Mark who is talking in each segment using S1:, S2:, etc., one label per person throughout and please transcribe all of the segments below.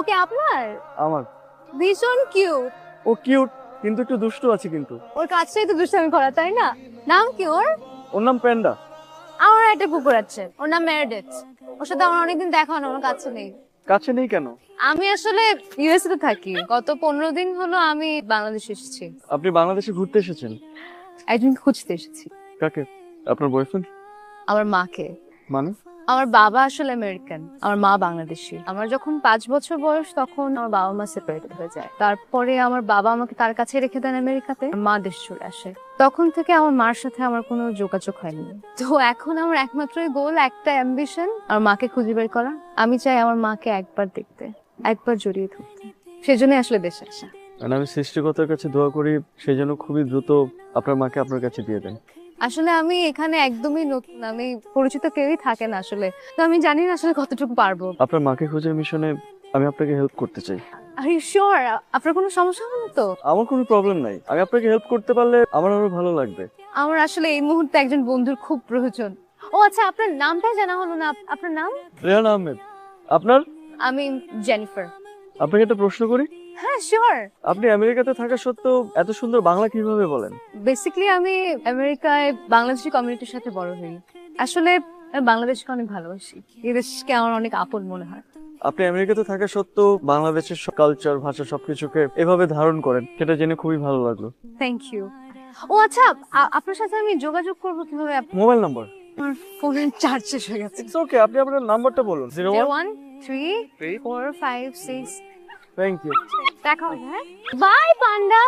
S1: ওকে আপনার?
S2: আমার।
S1: ভীষণ কিউট।
S2: ও কিউট কিন্তু একটু দুষ্টু আছে কিন্তু।
S1: ওর কাজটাই তো দুষ্টামি করা, তাই না? নাম কি ওর?
S2: ওর নাম প্যান্ডা।
S1: আমার একটা কুকুর আছে, ওর নাম মেরেডিথ। ওর সাথে আমার অনেকদিন দেখা হয় না, ওর কাছে নেই।
S2: কাছে নেই কেন?
S1: আমি আসলে ইউএসএ তে থাকি, গত 15 দিন হলো আমি বাংলাদেশ এসেছি।
S2: আপনি বাংলাদেশে ঘুরতে এসেছেন?
S1: একজনকে খুঁজতে এসেছি।
S2: কাকে? আপনার বয়ফ্রেন্ড?
S1: আমার মাকে।
S2: মানে?
S1: আমার বাবা আসলে আমেরিকান, আমার মা বাংলাদেশী। আমার যখন 5 বছর বয়স তখন আমার বাবা মা সেপারেটেড হয়ে যায়। তারপরে আমার বাবা আমাকে তার কাছে রেখে দেন আমেরিকাতে, মা দেশ চলে আসে। তখন থেকে আমার মার সাথে আমার কোনো যোগাযোগ হয়নি। তো এখন আমার একমাত্রই গোল, একটা অ্যাম্বিশন, আমার মাকে খুঁজে বের করা। আমি চাই আমার মাকে একবার দেখতে, একবার জড়িয়ে ধরতে। সেজন্যই আসলে দেশে আসা।
S2: আমি সৃষ্টিকর্তার কাছে দোয়া করি সেই জন্য খুবই দ্রুত আপনার মাকে আপনার কাছে দিয়ে দেন।
S1: আসলে আমি এখানে একদমই নতুন, আমি পরিচিত কেউই থাকে না আসলে, তো আমি জানি না আসলে কতটুকু পারবো।
S2: আপনার মাকে খোঁজার মিশনে আমি আপনাকে হেল্প করতে চাই।
S1: Are you sure? আপনার কোনো সমস্যা হবে না তো?
S2: আমার কোনো প্রবলেম নাই, আমি আপনাকে হেল্প করতে পারলে আমার আরো ভালো লাগবে।
S1: আমার আসলে এই মুহূর্তে একজন বন্ধুর খুব প্রয়োজন। ও আচ্ছা, আপনার নামটাই জানা হলো না। আপনার নাম?
S2: রেহান আহমেদ। আপনার?
S1: আমি জেনিফার।
S2: আপনাকে একটা প্রশ্ন করি,
S1: হ্যাঁ শিওর।
S2: আপনি আমেরিকাতে থাকা সত্ত্বেও এত সুন্দর বাংলা কিভাবে বলেন?
S1: বেসিক্যালি আমি আমেরিকায় বাংলাদেশি কমিউনিটির সাথে বড় হই। আসলে আমি বাংলাদেশকে অনেক ভালোবাসি, এই দেশকে আমার অনেক আপন মনে হয়।
S2: আপনি আমেরিকাতে থাকা সত্ত্বেও বাংলাদেশের কালচার, ভাষা সবকিছুকে এভাবে ধারণ করেন, সেটা জেনে খুবই ভালো লাগলো।
S1: Thank you. ও আচ্ছা, আপনার সাথে আমি যোগাযোগ করব কিভাবে?
S2: Mobile number?
S1: আমার ফোনের চার্জ শেষ হয়ে গেছে।
S2: ইটস ওকে, আপনি আপনার নাম্বারটা বলুন।
S1: 013456।
S2: Thank you.
S1: দেখা হবে, হ্যাঁ? Bye panda.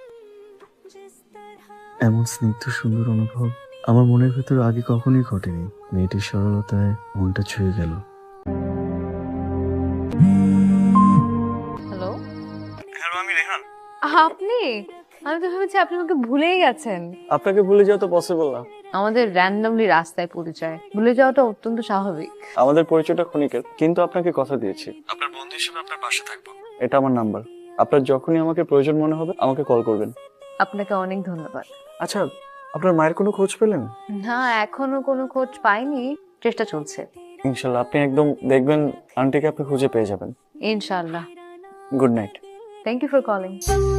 S2: এমন স্নিগ্ধ সুন্দর অনুভব আমার মনের ভেতর আগে কখনোই ঘটেনি। মেয়েটির সরলতায় মনটা ছুঁয়ে গেল।
S1: হ্যালো।
S2: হ্যালো, আমি রেহান।
S1: আপনি? আমি তো ভেবেছি আপনি আমাকে ভুলেই গেছেন।
S2: আপনাকে ভুলে যাওয়া তো পসিবল না।
S1: আমাদের র্যান্ডমলি রাস্তায় পরিচয়, ভুলে যাওয়াটা অত্যন্ত স্বাভাবিক।
S2: আমাদের পরিচয়টা ক্ষণিকের, কিন্তু আপনাকে কথা দিয়েছি আপনার বন্ধু হিসেবে আপনার পাশে থাকবো। এটা আমার নাম্বার, আপনার যখনই আমাকে প্রয়োজন মনে হবে আমাকে কল করবেন।
S1: আপনাকে অনেক ধন্যবাদ।
S2: আচ্ছা, আপনার মায়ের কোনো খোঁজ পেলেন?
S1: না, এখনো কোনো খোঁজ পাইনি, চেষ্টা চলছে।
S2: ইনশাল্লাহ আপনি একদম দেখবেন আন্টিকে আপনি খুঁজে পেয়ে যাবেন।
S1: ইনশাআল্লাহ।
S2: Good night.
S1: Thank you for calling.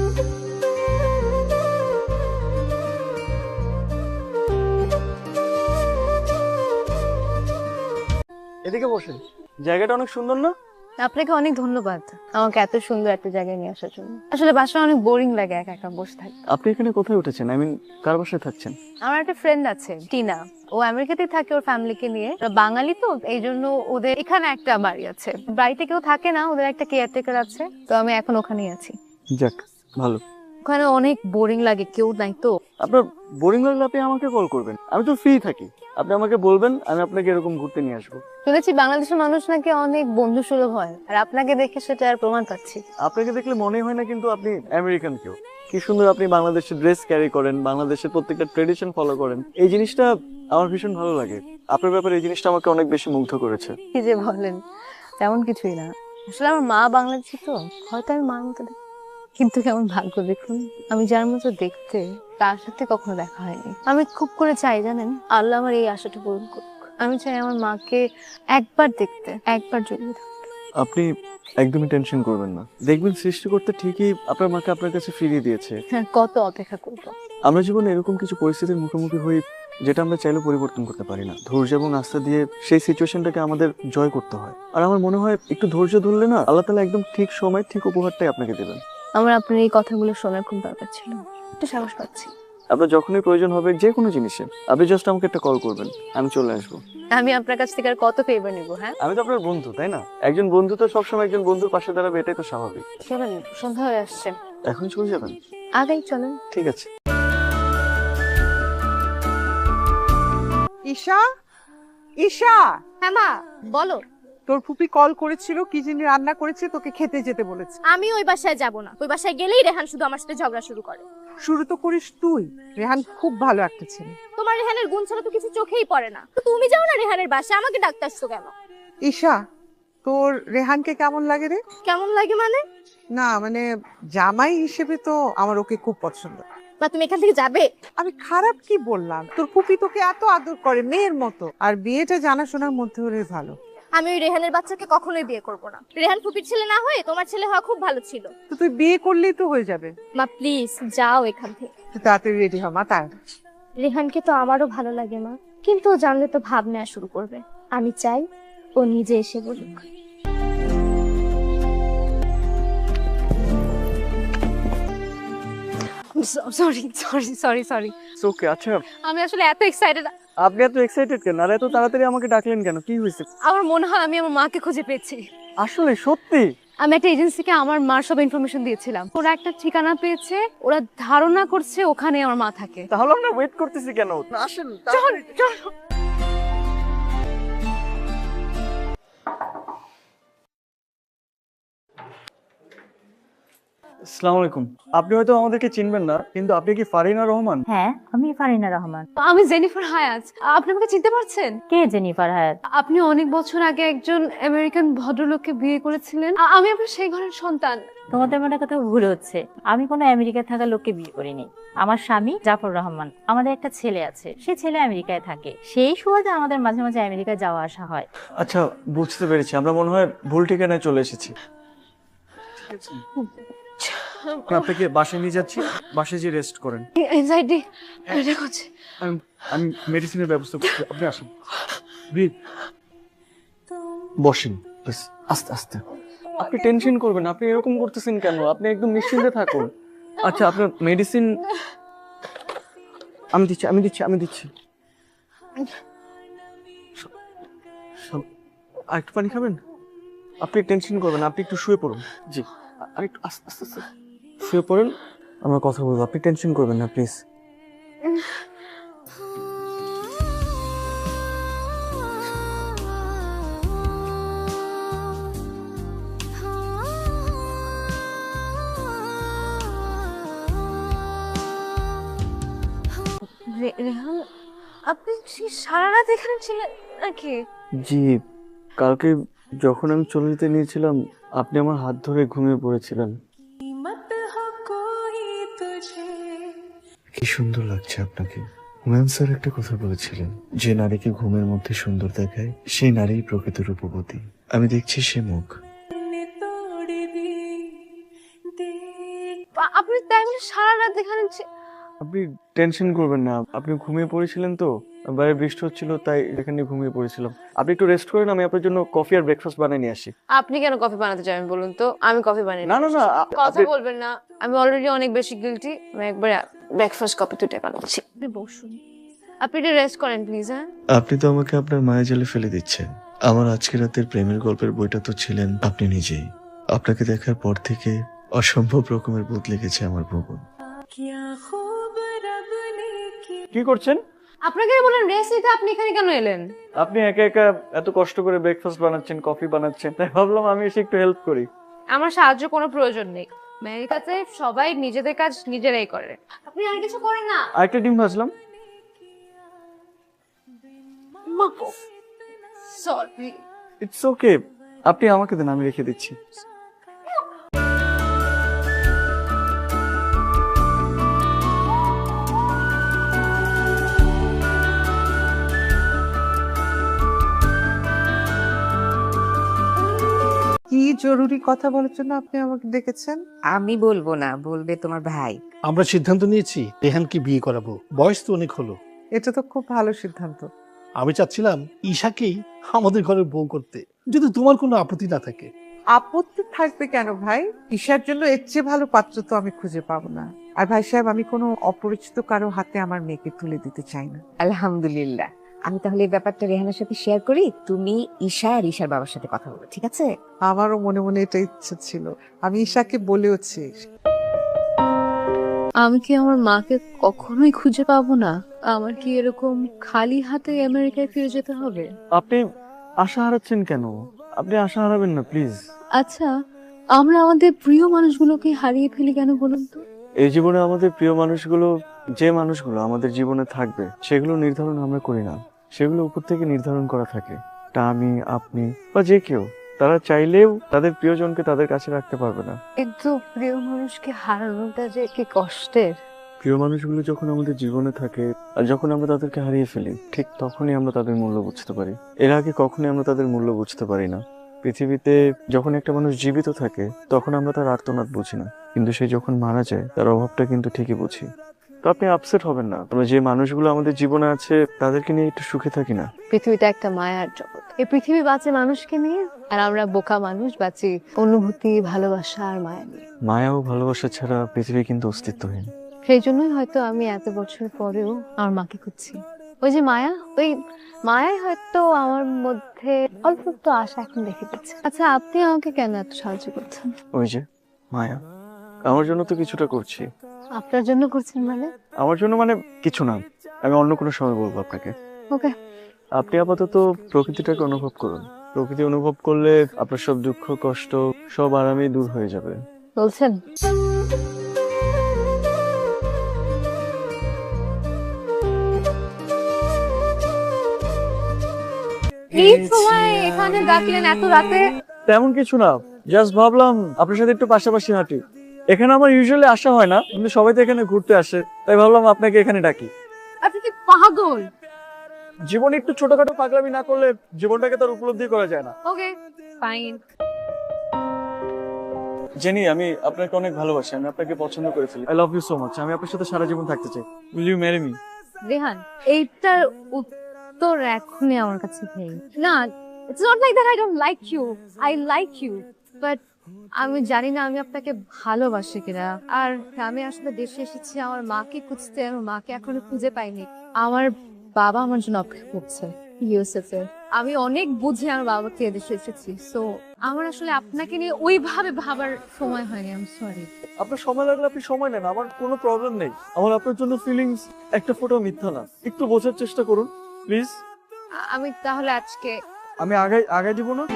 S2: এদিকে বসেন, জায়গাটা অনেক সুন্দর না?
S1: আপনাকে অনেক ধন্যবাদ আমাকে এত সুন্দর একটা জায়গায় নিয়ে আসার জন্য। আসলে বাসায় অনেক বোরিং লাগে একা একা বসে থাকতে।
S2: আপনি এখানে কোথায় উঠেছেন? আই মিন কার বাসায় থাকছেন?
S1: আমার একটা ফ্রেন্ড আছে টিনা, ও আমেরিকাতেই থাকে ওর ফ্যামিলিকে নিয়ে। ওরা বাঙালি তো, এই জন্য ওদের এখানে একটা বাড়ি আছে। বাড়িতে কেউ থাকে না, ওদের একটা কেয়ারটেকার আছে, তো আমি এখন ওখানেই আছি।
S2: যাক ভালো।
S1: ওখানে অনেক বোরিং লাগে, কেউ নাই তো।
S2: আপনার বোরিং লাগলে আপনি আমাকে কল করবেন, আমি তো ফ্রি থাকি। আপনি আমাকে বলবেন, আমি আপনাকে এরকম ঘুরতে নিয়ে আসবো।
S1: শুনেছি বাংলাদেশের মানুষ নাকি অনেক বন্ধু সুলভ হয়, আর আপনাকে দেখে সেটা আর প্রমাণ পাচ্ছি।
S2: আপনাকে দেখলে মনে হয় না কিন্তু আপনি আমেরিকান কেউ। কি সুন্দর আপনি বাংলাদেশের ড্রেস ক্যারি করেন, বাংলাদেশের প্রত্যেকটা ট্রেডিশন ফলো করেন, এই জিনিসটা আমার ভীষণ ভালো লাগে। আপনার ব্যাপারে এই জিনিসটা আমাকে অনেক বেশি মুগ্ধ করেছে।
S1: কি যে বলেন, তেমন কিছুই না। আসলে আমার মা বাংলাদেশি তো, হয়তো আমি মার মতো দেখি। কিন্তু কেমন ভাগ্য দেখুন, আমি যার মতো দেখতে তার সাথে কখনো দেখা হয়নি। আমি খুব করে চাই জানেন, আল্লাহ আমার এই আশাটা পূরণ করুক। আমি চাই আমার মাকে একবার দেখতে, একবার জড়িয়ে থাকতে।
S2: আপনি একদমই টেনশন করবেন না, দেখবেন সৃষ্টিকর্তা ঠিকই আপনার মাকে আপনার কাছে ফিরিয়ে দিয়েছে।
S1: হ্যাঁ, কত অপেক্ষা করবো।
S2: আমরা জীবনে এরকম কিছু পরিস্থিতির মুখোমুখি হই যেটা আমরা চাইলেও পরিবর্তন করতে পারি না। ধৈর্য এবং আস্থা দিয়ে সেই সিচুয়েশনটাকে আমাদের জয় করতে হয়। আর আমার মনে হয় একটু ধৈর্য ধরলে না, আল্লাহ তাআলা একদম ঠিক সময় ঠিক উপহারটাই আপনাকে দেবেন।
S1: আমার আপনার এই কথাগুলো শোনার খুব দরকার ছিল, একটু সাহস পাচ্ছি।
S2: আপনার যখনই প্রয়োজন হবে যে কোনো জিনিসে, আপনি জাস্ট আমাকে একটা কল করবেন, আমি চলে আসবো।
S1: আমি আপনার কাছ থেকে আর কত ফেভার নিবো? হ্যাঁ,
S2: আমি তো আপনার বন্ধু, তাই না? একজন বন্ধু তো সবসময় একজন বন্ধুর পাশে দাঁড়াবে, এটাই তো স্বাভাবিক।
S1: চলেন, সন্ধ্যা হয়ে আসছে।
S2: এখন চলে যাবেন?
S1: আগেই চলেন।
S2: ঠিক আছে।
S3: ঈশা, ঈশা,
S4: হ্যাঁ মা, বলো।
S3: তোর ফুপি কল করেছিল, কি যিনি রান্না করেছে তোকে খেতে যেতে বলেছে।
S4: আমি ওই বাসায় যাব না, ওই বাসায় গেলেই রেহান শুধু আমার সাথে ঝগড়া শুরু করে।
S3: শুরু তো করিস তুই। রেহান খুব ভালো একটা ছেলে।
S4: তোমার রেহানের গুণ ছাড়া তো কিছু চোখেই পড়ে না, তো তুমি যাও না রেহানের বাসায়, আমাকে ডাকতে আসছো কেন?
S3: ঈশা, তোর রেহানকে কেমন লাগে রে?
S4: কেমন লাগে মানে?
S3: না মানে জামাই হিসেবে তো আমার ওকে খুব পছন্দ।
S4: মা তুমি এখান থেকে যাবে?
S3: আমি খারাপ কি বললাম? তোর ফুপি তোকে এত আদর করে মেয়ের মতো, আর বিয়েটা জানাশোনার মধ্যে হলে ভালো।
S4: আমি ওই রেহানের বাচ্চাকে কখনোই বিয়ে করব না। রেহান ফুপির ছেলে না হয়ে তোমার ছেলে হওয়া খুব ভালো ছিল।
S3: তো তুই বিয়ে করলেই তো হয়ে যাবে।
S4: মা প্লিজ যাও এখান থেকে।
S3: তুই তাড়াতাড়ি রেডি হ মা, তার
S4: রেহানকে তো আমারও ভালো লাগে মা, কিন্তু ও জানলে তো ভাব নেওয়া শুরু করবে। আমি চাই ও নিজে এসে বলুক।
S1: Sorry sorry sorry sorry
S2: okay. আচ্ছা,
S1: আমি আসলে এত এক্সাইটেড।
S2: আপনি এত এক্সাইটেড কেন আর এত তাড়াতাড়ি আমাকে ডাকলেন কেন? কি হয়েছে?
S1: আমার মনে হয় আমি আমার মাকে খুঁজে পেয়েছি।
S2: আসলে সত্যি?
S1: আমি একটা এজেন্সিকে আমার মার সব ইনফরমেশন দিয়েছিলাম, ওরা একটা ঠিকানা পেয়েছে, ওরা ধারণা করছে ওখানে আমার মা থাকে।
S2: তাহলে আমরা ওয়েট করতেছি কেন? আসেন।
S1: চল চল।
S2: আসসালামু আলাইকুম। আপনি হয়তো আমাদেরকে চিনবেন না, কিন্তু আপনি কি ফারিনা রহমান?
S5: হ্যাঁ, আমি ফারিনা রহমান।
S1: আমি জেনিফার হায়াত। আপনি আমাকে চিনতে পারছেন?
S5: কে জেনিফার হায়াত?
S1: আপনি অনেক বছর আগে একজন আমেরিকান ভদ্রলোককে বিয়ে করেছিলেন। আমি আপনার সেই ঘরের সন্তান।
S5: তোমাদের মনে কথা ভুল হচ্ছে। আমি কোনো আমেরিকায় থাকা লোককে বিয়ে করিনি। আমার স্বামী জাফর রহমান, আমাদের একটা ছেলে আছে, সে ছেলে আমেরিকায় থাকে, সেই সুবাদে আমাদের মাঝে মাঝে আমেরিকায় যাওয়া আসা হয়।
S2: আচ্ছা, বুঝতে পেরেছি। আমরা মনে হয় ভুল ঠিকানায় চলে এসেছি। আপনাকে বাসায় নিয়ে যাচ্ছি, বাসায় যে রেস্ট করেন।
S1: এনজাইটি এটা হচ্ছে।
S2: আমি মেডিসিনের ব্যবস্থা করছি, আপনি আসুন। ব্রিথ। বসেন প্লিজ, আস্তে আস্তে। আপনি টেনশন করবেন, আপনি এরকম করতেছেন কেন? আপনি একদম নিশ্চিন্তে থাকুন। আচ্ছা, আপনার মেডিসিন আমি দিচ্ছি। আর একটু পানি খাবেন? আপনি টেনশন করবেন, আপনি একটু শুয়ে পড়ুন। জি, আর একটু আস্তে আস্তে আস্তে শুয়ে পড়ুন, আমরা কথা বলবো। আপনি টেনশন করবেন না প্লিজ।
S1: রেহান, আপনি সারা রাত এখানে ছিলেন নাকি?
S2: জি, কালকে যখন আমি চলে যেতে নিয়েছিলাম, আপনি আমার হাত ধরে ঘুমিয়ে পড়েছিলেন। কি সুন্দর লাগছে আপনাকে। হুমায়ুন স্যার একটা কথা বলেছিলেন, যে নারীকে ঘুমের মধ্যে সুন্দর দেখায় সেই নারী প্রকৃত রূপবতী। আমি দেখছি সে মুখ।
S1: আপনি তাই বলে সারা রাত এখানে
S2: আপনি টেনশন করবেন না, আপনি ঘুমিয়ে পড়েছিলেন তো, বাইরে বৃষ্টি হচ্ছিল তাই এখানে ঘুমিয়ে পড়েছিলাম। আপনি একটু রেস্ট করেন, আমি আপনার জন্য কফি আর ব্রেকফাস্ট বানিয়ে নিয়ে আসি।
S1: আপনি কেন কফি বানাতে চান বলুন তো? আমি কফি বানিয়ে
S2: না না না,
S1: কথা বলবেন না। আমি অলরেডি অনেক বেশি গিলটি। আমি একবার ব্রেকফাস্ট কফি দুটো বানাচ্ছি। আপনি বসুন, আপনি একটু রেস্ট করেন প্লিজ। হ্যাঁ,
S2: আপনি তো আমাকে আপনার মায়া জালে ফেলে দিচ্ছেন। আমার আজকে রাতের প্রেমের গল্পের বইটা তো ছিলেন আপনি নিজেই। আপনাকে দেখার পর থেকে অসম্ভব রকমের বদলে গেছে আমার ভুবন। কি করছেন?
S1: আপনাকে বলেন রেস্ট নিতে, আপনি এখানে কেন এলেন?
S2: আপনি একা একা এত কষ্ট করে ব্রেকফাস্ট বানাচ্ছেন, কফি বানাচ্ছেন, তাই ভাবলাম আমি এসে একটু হেল্প করি।
S1: আমার সাহায্য কোনো প্রয়োজন নেই। আমেরিকাতে সবাই নিজেদের কাজ নিজেরাই করে, আপনি আর কিছু করেন না।
S2: আরেকটা ডিম ভাজলাম।
S1: সরি।
S2: ইটস ওকে, আপনি আমাকে দেন, আমি রেখে দিচ্ছি।
S3: কি জরুরি কথা বলার জন্য আপনি আমাকে ডেকেছেন?
S6: আমি বলবো না, বলবে তোমার ভাই।
S7: আমরা সিদ্ধান্ত নিয়েছি রেহানকে বিয়ে করাবো। বয়স তো অনেক হলো।
S3: এটা তো খুব ভালো সিদ্ধান্ত।
S7: আমি চাচ্ছিলাম ঈশাকেই আমাদের ঘরে বউ করতে, যদি তোমার কোনো আপত্তি না থাকে।
S3: আপত্তি থাকবে কেন ভাই? ঈশার জন্য এর চেয়ে ভালো পাত্র তো আমি খুঁজে পাবো না। আর ভাই সাহেব, আমি কোনো অপরিচিত কারো হাতে আমার মেয়েকে তুলে দিতে চাই না।
S6: আলহামদুলিল্লাহ। আমি তাহলে এই ব্যাপারটা রেহানের সাথে শেয়ার করি, তুমি ঈশা আর ঈশার বাবার সাথে কথা বলো, ঠিক আছে?
S3: আমারও মনে মনে এটা ইচ্ছে ছিল, আমি ঈশাকে বলেওছি।
S1: আমি কি আমার মাকে কখনোই খুঁজে পাবো না? আমার কি এরকম খালি হাতে আমেরিকায় ফিরে যেতে হবে?
S2: আপনি আশা হারাচ্ছেন কেন? আপনি আশা হারাবেন না প্লিজ।
S1: আচ্ছা, আমরা আমাদের প্রিয় মানুষগুলোকে হারিয়ে ফেলি কেন বলুন তো?
S2: এই জীবনে আমাদের প্রিয় মানুষগুলো, যে মানুষগুলো আমাদের জীবনে থাকবে, সেগুলো নির্ধারণ আমরা করি না, সেগুলো উপর থেকে নির্ধারণ করা থাকে। তা আমি, আপনি বা যে কেউ, তারা চাইলেও তাদের প্রিয়জনকে তাদের কাছে রাখতে পারবে না।
S1: কিন্তু প্রিয় মানুষকে হারানোটা যে কি কষ্টের।
S2: প্রিয় মানুষগুলো যখন আমাদের জীবনে থাকে আর যখন আমরা তাদেরকে হারিয়ে ফেলি, ঠিক তখনই আমরা তাদের মূল্য বুঝতে পারি। এর আগে কখনোই আমরা তাদের মূল্য বুঝতে পারি না। পৃথিবীতে যখন একটা মানুষ জীবিত থাকে তখন আমরা তার আর্তনাদ বুঝি না, কিন্তু সে যখন মারা যায় তার অভাবটা কিন্তু ঠিকই বুঝি। তো আপনি আপসেট হবেন না, আমরা যে মানুষগুলো আমাদের জীবনে আছে তাদেরকে নিয়ে একটু সুখে থাকি না।
S1: পৃথিবীটা একটা মায়ার জগৎ। এই পৃথিবী বাঁচে মানুষকে নিয়ে, আর আমরা বোকা মানুষ বাঁচি অনুভূতি, ভালোবাসা আর মায়া নিয়ে।
S2: মায়া ও ভালোবাসা ছাড়া পৃথিবী কিন্তু অস্তিত্বহীন।
S1: সেই জন্যই হয়তো আমি এত বছর পরেও আমার মাকে খুঁজছি। ওই যে মায়া, ওই মায়াই হয়তো আমার মধ্যে অল্প একটু আশা এখন দেখে দিচ্ছে। আচ্ছা, আপনি আমাকে কেন এত সাহায্য করছেন?
S2: ওই যে মায়া, আমার জন্য তো কিছুটা করছি।
S1: আপনার জন্য করছেন মানে?
S2: আমার জন্য মানে কিছু না, আমি অন্য কোনো সময় বলবো আপনাকে।
S1: ওকে।
S2: আপনি আপাতত প্রকৃতিটাকে অনুভব করুন। প্রকৃতি অনুভব করলে আপনার সব দুঃখ কষ্ট সব আরামেই দূর হয়ে যাবে।
S1: বলছেন? এই সময় এখানে ডাকলেন এত রাতে?
S2: তেমন কিছু না, জাস্ট ভাবলাম আপনার সাথে একটু পাশাপাশি হাঁটি। এখানে আমার ইউজুয়ালি আসা হয় না, কিন্তু সবাই তো এখানে ঘুরতে আসে, তাই ভাবলাম আপনাকে এখানে ডাকি।
S1: আপনি কি পাগল?
S2: জীবনে একটু ছোটখাটো পাগলামি না করলে জীবনটাকে তার উপলব্ধি করা যায় না।
S1: ওকে, ফাইন।
S2: জেনি, আমি আপনাকে অনেক ভালোবাসি, আমি আপনাকে পছন্দ করে ফেলি। I love you so much. আমি আপনার সাথে সারা জীবন থাকতে চাই। Will you marry me?
S1: Rehan, এইটার উত্তর এখনই আমার কাছে নেই। না, it's not like that I don't like you, I like you, but আমি জানি না আমি আপনাকে ভালোবাসি কিনা। আর আমি আসলে দেশে এসেছি আমার মাকে খুঁজতে, আমার মাকে এখনো খুঁজে পাইনি। আমার বাবা আমার জন্য অপেক্ষা করছে ইউএসএফ এ। আমি অনেক বুঝে আমার বাবাকে এদেশে এসেছি, সো আমার আসলে আপনাকে নিয়ে ওইভাবে ভাবার সময় হয়নি। I am sorry.
S2: আপনার সময় লাগলে আপনি সময় নেন, আমার কোনো প্রবলেম নেই। আমার আপনার জন্য ফিলিংস একটা ফোঁটাও মিথ্যা না। একটু বোঝার চেষ্টা করুন প্লিজ।
S1: আমি তাহলে আজকে
S2: আমি আগাই দিব না।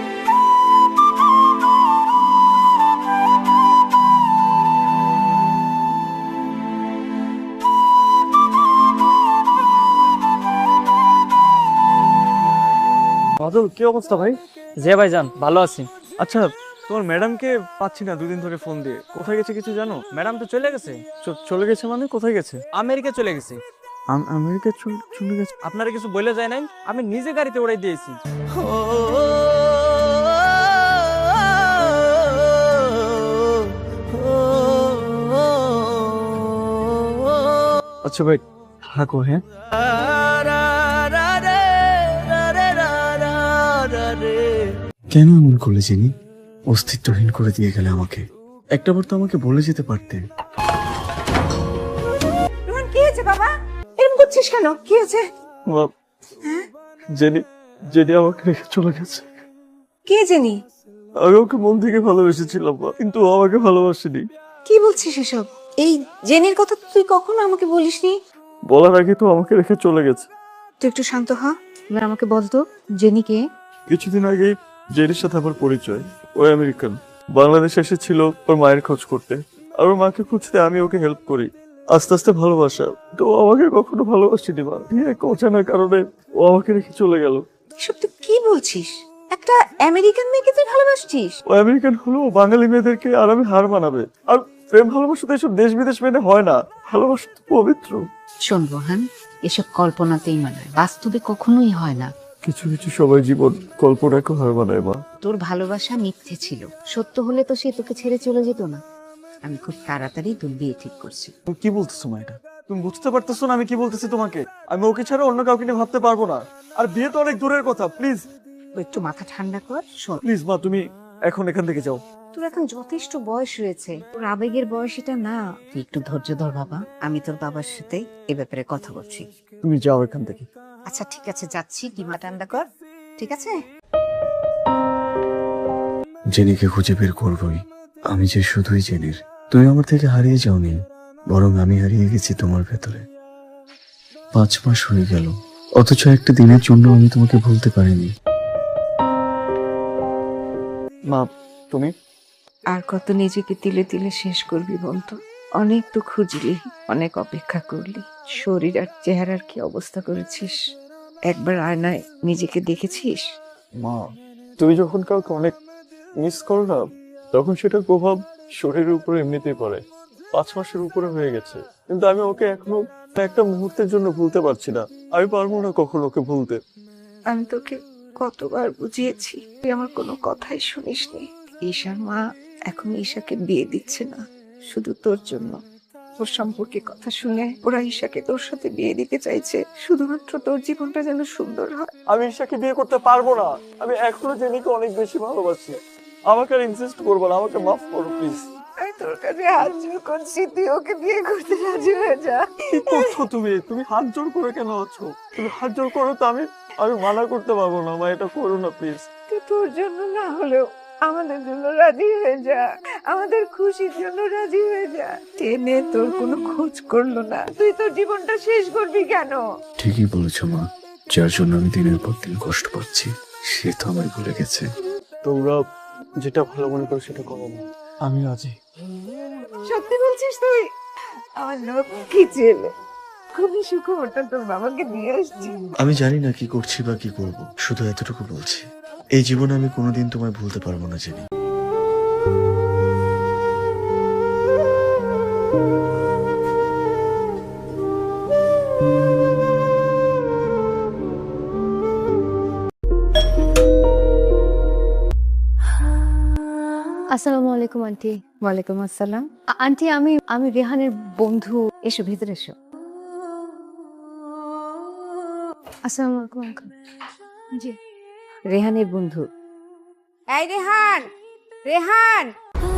S2: বাদল, কি অবস্থা ভাই?
S8: জি ভাইজান, ভালো আছি।
S2: আচ্ছা, তোমার ম্যাডামকে পাচ্ছি না দুদিন ধরে ফোন দিয়ে। কোথায় গেছে কিছু জানো?
S8: ম্যাডাম তো চলে গেছে,
S2: চলে গেছে মানে কোথায় গেছে?
S8: আমেরিকা চলে গেছে।
S2: আমেরিকা চলে গেছে?
S8: আপনারা কিছু বলে যায় নাই, আমি নিজে গাড়িতে উড়াই দিয়েছি।
S2: আচ্ছা ভাই, থাকো। হ্যাঁ, কেন এমন করলে জেনি? অস্তিত্বহীন করে দিয়ে গেলে আমাকে। একটাবার তো আমাকে বলে যেতে পারতে।
S6: রোহন, কি হয়েছে বাবা? এরকম করছিস কেন? কি হয়েছে?
S2: জেনি আমাকে রেখে চলে গেছে।
S6: কে জানি?
S2: আমি ওকে মন থেকে ভালোবেসেছিলাম কিন্তু ও আমাকে ভালোবাসেনি।
S6: কি বলছিস এসব? এই জেনির কথা তুই কখনো আমাকে বলিসনি।
S2: বলার আগে তো আমাকে রেখে চলে গেছে।
S6: তুই একটু শান্ত হ, এবার আমাকে বলতো জেনি কে?
S2: কিছুদিন আগে জেনির সাথে আমার পরিচয়। ও আমেরিকান, বাংলাদেশে এসেছিল ওর মায়ের খোঁজ করতে, আর ওর মাকে খুঁজতে আমি ওকে হেল্প করি। আস্তে আস্তে ভালোবাসা। তো ও আমাকে কখনো ভালোবাসেনি মা। এক অজানা কারণে ও আমাকে রেখে চলে গেল।
S6: এসব তুই কি বলছিস? একটা আমেরিকান মেয়েকে তুই ভালোবাসছিস?
S2: ও আমেরিকান হলো বাঙালি মেয়েদেরকে আর আমি হার মানাবে। আর প্রেম ভালোবাসা তো এসব দেশ বিদেশ মেনে হয় না। ভালোবাসা তো পবিত্র।
S9: শোন রোহান, এসব কল্পনাতেই মানায়, বাস্তবে কখনোই হয় না।
S2: কিছু কিছু সবাই জীবন কল্পনাকে হার মানায় মা।
S9: তোর ভালোবাসা মিথ্যে ছিল, সত্য হলে তো সে তোকে ছেড়ে চলে যেত না। আমি খুব তাড়াতাড়ি তোর বিয়ে ঠিক করছি।
S2: তুমি কি বলতেছো মা? এটা তুমি বুঝতে পারতেছো না আমি কি বলতেছি তোমাকে? আমি ওকে ছাড়া অন্য কাউকে নিয়ে ভাবতে পারবো না। আর বিয়ে তো অনেক দূরের কথা। প্লিজ
S9: একটু মাথা ঠান্ডা কর। শোন,
S2: প্লিজ মা, তুমি এখন এখান থেকে যাও।
S9: তোর এখন যথেষ্ট বয়স হয়েছে, তোর আবেগের বয়স এটা না। তুই একটু ধৈর্য ধর বাবা, আমি তোর বাবার সাথে এ ব্যাপারে কথা বলছি।
S2: তুমি যাও এখান থেকে।
S9: আচ্ছা ঠিক আছে, যাচ্ছি। ডিমা ঠান্ডা কর, ঠিক আছে?
S2: জেনিকে খুঁজে বের করবই। আমি যে শুধুই জেনির। তুমি আমার থেকে হারিয়ে যাওনি, বরং আমি হারিয়ে গেছি তোমার ভেতরে। 5 মাস হয়ে গেল, অথচ একটা দিনের জন্য আমি তোমাকে ভুলতে পারিনি। মা, তুমি
S6: আর কত নিজেকে তিলে তিলে শেষ করবি বলতো? অনেক তো খুঁজলি, অনেক অপেক্ষা করলি, শরীর আর চেহারার কি অবস্থা করেছিস? একবার আয়নায় নিজেকে দেখেছিস?
S2: মা, তুমি যখন কাউকে অনেক মিস করো না, তখন সেটার প্রভাব শরীরের উপর এমনিতেই পড়ে। 5 মাসের উপরে হয়ে গেছে, কিন্তু আমি ওকে এখনো একটা মুহূর্তের জন্য ভুলতে পারছি না। আমি পারবো না কখনো ওকে ভুলতে।
S6: আমি তোকে কতবার বুঝিয়েছি, তুই আমার কোনো কথাই শুনিসনি। ঈশার মা এখন ঈশাকে বিয়ে দিচ্ছে না শুধু তোর জন্য। ওর সম্পর্কে কথা শুনে ওরা ঈশাকে তোর সাথে বিয়ে দিতে চাইছে শুধুমাত্র তোর জীবনটা যেন সুন্দর হয়।
S2: আমি ঈশাকে বিয়ে করতে পারবো না। আমি এখনো জেনিকে অনেক বেশি ভালোবাসি। আমাকে আর ইনসিস্ট করবো না, আমাকে মাফ করো প্লিজ।
S6: আমি তোর কাছে হাত জোর করছি, তুই ওকে বিয়ে করতে রাজি হয়ে যা।
S2: কি করছো তুমি? তুমি হাত জোর করে কেন আছো? তুমি হাত জোর করো তো আমি মানা করতে পারবো না। মা, এটা করো না প্লিজ।
S6: তুই তোর জন্য না হলেও আমাদের জন্য রাজি হয়ে যা, আমাদের খুশির জন্য রাজি হয়ে যা। টেনে তোর কোনো খোঁজ করলো না, তুই তোর জীবনটা শেষ করবি কেন?
S10: ঠিকই বলেছো মা, যার জন্য আমি দিনের পর দিন কষ্ট পাচ্ছি সে তো আমায় ভুলে গেছে।
S2: তোমরা যেটা ভালো মনে করো সেটা করো না, আমি রাজি।
S6: সত্যি বলছিস তুই? আমার লক্ষ্মী ছেলে, খুবই সুখবরটা তোর বাবাকে দিয়ে আসছি।
S10: আমি জানি না কি করছি বা কি করব, শুধু এতটুকু বলছি, এই জীবনে আমি কোনোদিন তোমায় ভুলতে পারবো না জেনি।
S1: আসসালামু আলাইকুম আন্টি।
S9: ওয়ালাইকুম আসসালাম।
S1: আন্টি, আমি রেহানের বন্ধু।
S9: এসো ভিতরে এসো।
S1: আসসালামু আলাইকুম আঙ্কেল। জি।
S9: রেহানের বন্ধু। এই রেহান, রেহান।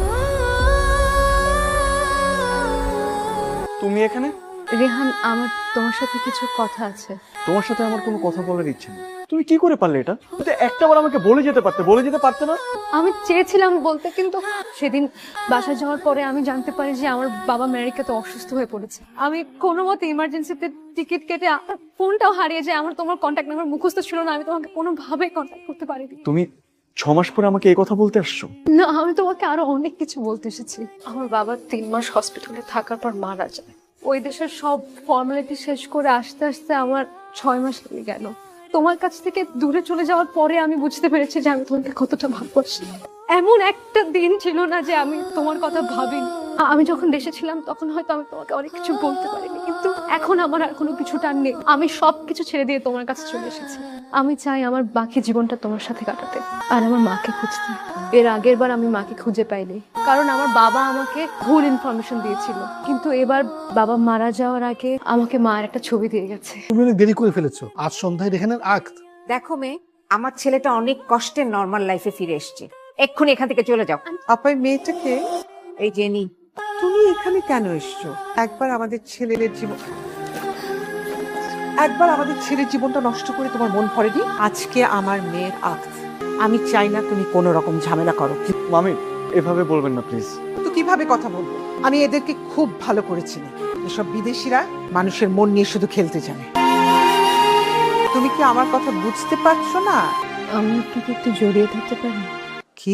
S2: তুমি এখানে?
S1: রেহান, আমার তোমার সাথে কিছু কথা আছে।
S2: তোমার সাথে আমার কোনো কথা বলার ইচ্ছে নেই। তুমি কি করে পারলে এটা? তুমি একটাবার আমাকে বলে যেতে পারতে না?
S1: আমি চেয়েছিলাম বলতে, কিন্তু সেদিন বাসায় যাওয়ার পরে আমি জানতে পারি যে আমার বাবা আমেরিকাতে অসুস্থ হয়ে পড়েছে। আমি কোনো মতে ইমার্জেন্সিতে টিকিট কেটে ফোনটাও হারিয়ে যায়। আমার তোমার কন্ট্যাক্ট নাম্বার মুখস্থ ছিল না, আমি তোমাকে কোনোভাবে কন্ট্যাক্ট করতে পারিনি।
S2: তুমি 6 মাস পরে আমাকে এই কথা বলতে আসছো?
S1: না, আমি তোমাকে আরো অনেক কিছু বলতে এসেছি। আমার বাবা 3 মাস হসপিটালে থাকার পর মারা যায়। ওই দেশের সব ফর্মালিটি শেষ করে আসতে আসতে আমার 6 মাস লেগে গেল। তোমার কাছ থেকে দূরে চলে যাওয়ার পরে আমি বুঝতে পেরেছি যে আমি তোমাকে কতটা ভালোবাসি। এমন একটা দিন ছিল না যে আমি তোমার কথা ভাবিনি। আমি যখন দেশে ছিলাম তখন হয়তো আমি তোমাকে অনেক কিছু বলতে পারিনি, কিন্তু এখন আমার আর কোনো কিছু টান নেই। আমি সবকিছু ছেড়ে দিয়ে তোমার কাছে চলে এসেছি। আমি চাই আমার বাকি জীবনটা তোমার সাথে কাটাতে আর আমার মাকে খুঁজতে। এর আগের বার আমি মাকে খুঁজে পাইনি, কারণ আমার বাবা আমাকে ভুল ইনফরমেশন দিয়েছিল, কিন্তু এবার বাবা মারা যাওয়ার আগে আমাকে মায়ের একটা ছবি দিয়ে গেছে।
S7: তুমি অনেক দেরি করে ফেলেছো। আজ সন্ধ্যায় রেহানের আক্ত।
S9: দেখো মেয়ে, আমার ছেলেটা অনেক কষ্টে নর্মাল লাইফে ফিরে এসেছে। এক্ষুনি এখান থেকে চলে যাও।
S3: আপাই মেয়েটাকে,
S9: এই জেনি,
S3: তুমি এখানে কেন এসছো? একবার আমাদের ছেলের জীবনটা নষ্ট করে তোমার মন ভরেনি? আজকে আমার মেয়ের আক্ত, আমি চাই না তুমি কোনো রকম ঝামেলা করো।
S2: মামি, এভাবে বলবেন না প্লিজ।
S3: তো কিভাবে কথা বলবো? আমি এদেরকে খুব ভালো করে চিনি। এসব বিদেশিরা মানুষের মন নিয়ে শুধু খেলতে জানে। তুমি কি আমার কথা বুঝতে পারছো না?
S1: আমি আপনাকে একটু জড়িয়ে থাকতে পারি?
S3: কি?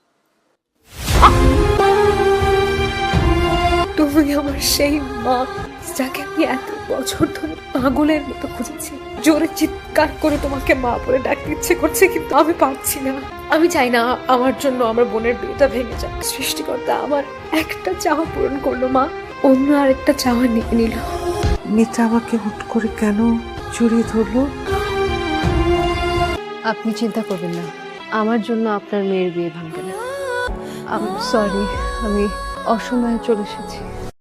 S1: তুমি আমার সেই মা, যাকে আমি এত বছর ধরে পাগলের মতো খুঁজেছি। জোরে চিৎকার করে তোমাকে মা বলে ডাকতে ইচ্ছে করছে, কিন্তু আমি পারছি না। আমি চাই না আমার জন্য আমার বোনের বিয়েটা ভেঙে যাক। সৃষ্টিকর্তা আমার একটা চাওয়া পূরণ করলো মা, অন্য আরেকটা চাওয়া নিয়ে নিল।
S3: মেয়েটা আমাকে হুট করে কেন জড়িয়ে ধরলো?
S1: আপনি চিন্তা করবেন না, আমার জন্য আপনার মেয়ের বিয়ে ভাঙবে না। আমি সরি, আমি অসময়ে চলে এসেছি।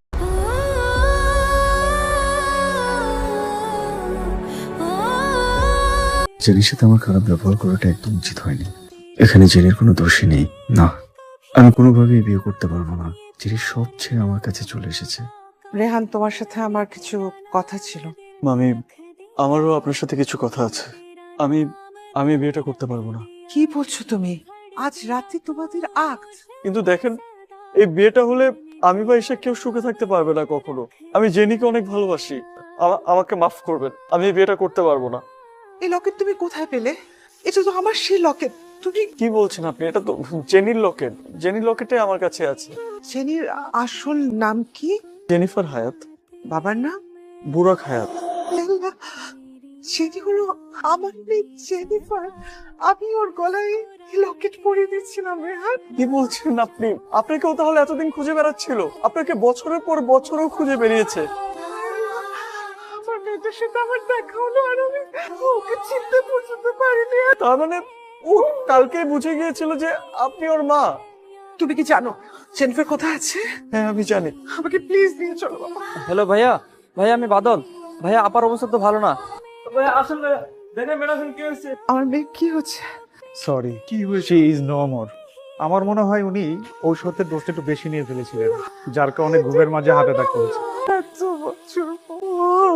S10: জেনির সাথে আমার খারাপ ব্যবহার করাটা একদম উচিত হয়নি। এখানে জেনির কোনো দোষী নেই। না, আমি কোনোভাবেই বিয়ে করতে পারবো না। জেনি সব ছেড়ে আমার কাছে চলে এসেছে।
S3: রেহান, তোমার সাথে আমার কিছু কথা ছিল।
S2: মামি, আমারও আপনার সাথে কিছু কথা আছে। আমি বিয়েটা করতে পারবো না।
S3: কি বলছো তুমি? আজ রাতে তোমাদের আক্ত।
S2: কিন্তু দেখেন, এই বিয়েটা হলে আমি বা ঈশা কেউ সুখে থাকতে পারবে না কখনো। আমি জেনিকে অনেক ভালোবাসি। আমাকে মাফ করবেন, আমি এই বিয়েটা করতে পারবো না।
S3: এই লকেট তুমি কোথায় পেলে? এটা তো আমার সেই লকেট। তুমি
S2: কি বলছেন আপনি? এটা তো জেনির লকেট। জেনির লকেটে আমার কাছে আছে।
S3: জেনির আসল নাম কি?
S2: জেনিফার হায়াত।
S3: বাবার নাম?
S2: বুরাক হায়াত।
S3: সেটি হলো আমার মেয়ে জেনিফার। আমি ওর গলায় লকেট পরিয়ে দিচ্ছিলাম রেহান।
S2: কি বলছেন আপনি? আপনাকেও তাহলে এতদিন খুঁজে বেড়াচ্ছিল? আপনাকে বছরের পর বছরও খুঁজে বেরিয়েছে।
S3: আমার মেয়েটার সাথে আমার দেখা হলো আর আমি ওকে চিনতে পর্যন্ত পারিনি।
S2: তার মানে ও কালকে বুঝে গিয়েছিল যে আপনি ওর মা?
S3: তুমি কি জানো জেনিফার কোথায় আছে?
S2: হ্যাঁ আমি জানি।
S3: আমাকে প্লিজ নিয়ে চলো বাবা।
S8: হ্যালো ভাইয়া, ভাইয়া আমি বাদল। ভাইয়া আপার অবস্থা তো ভালো না। ভাইয়া আসেন ভাইয়া, দেখেন ম্যাডাম কি হয়েছে।
S3: আমার মেয়ে কি হচ্ছে?
S11: সরি, কি হয়েছে? Is no more. আমার মনে হয় উনি ঔষধের ডোজটা একটু বেশি নিয়ে ফেলেছিলেন, যার কারণে ঘুমের মাঝে হার্ট অ্যাটাক করেছে।
S3: এত বছর পর।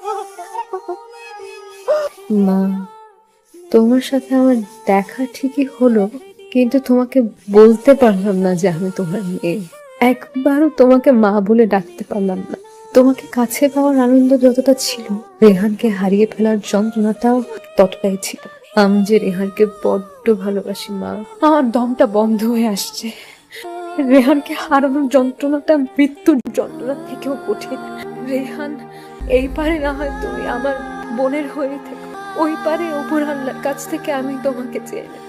S1: মা, তোমার সাথে আমার দেখা ঠিকই হলো, কিন্তু তোমাকে বলতে পারলাম না যে আমি তোমার মেয়ে। একবারও তোমাকে মা বলে ডাকতে পারলাম না। তোমাকে কাছে পাওয়ার আনন্দ যতটা ছিল, রেহানকে হারিয়ে ফেলার যন্ত্রণাটাও ততটাই ছিল। আমি যে রেহানকে বড্ড ভালোবাসি মা, আমার দমটা বন্ধ হয়ে আসছে। রেহানকে হারানোর যন্ত্রণাটা মৃত্যুর যন্ত্রণা থেকেও কঠিন। রেহান, এই পারে না হয় তুমি আমার বোনের হয়ে থেকো, ওই পারে ওপর আল্লাহর কাছ থেকে আমি তোমাকে চেয়ে নেব।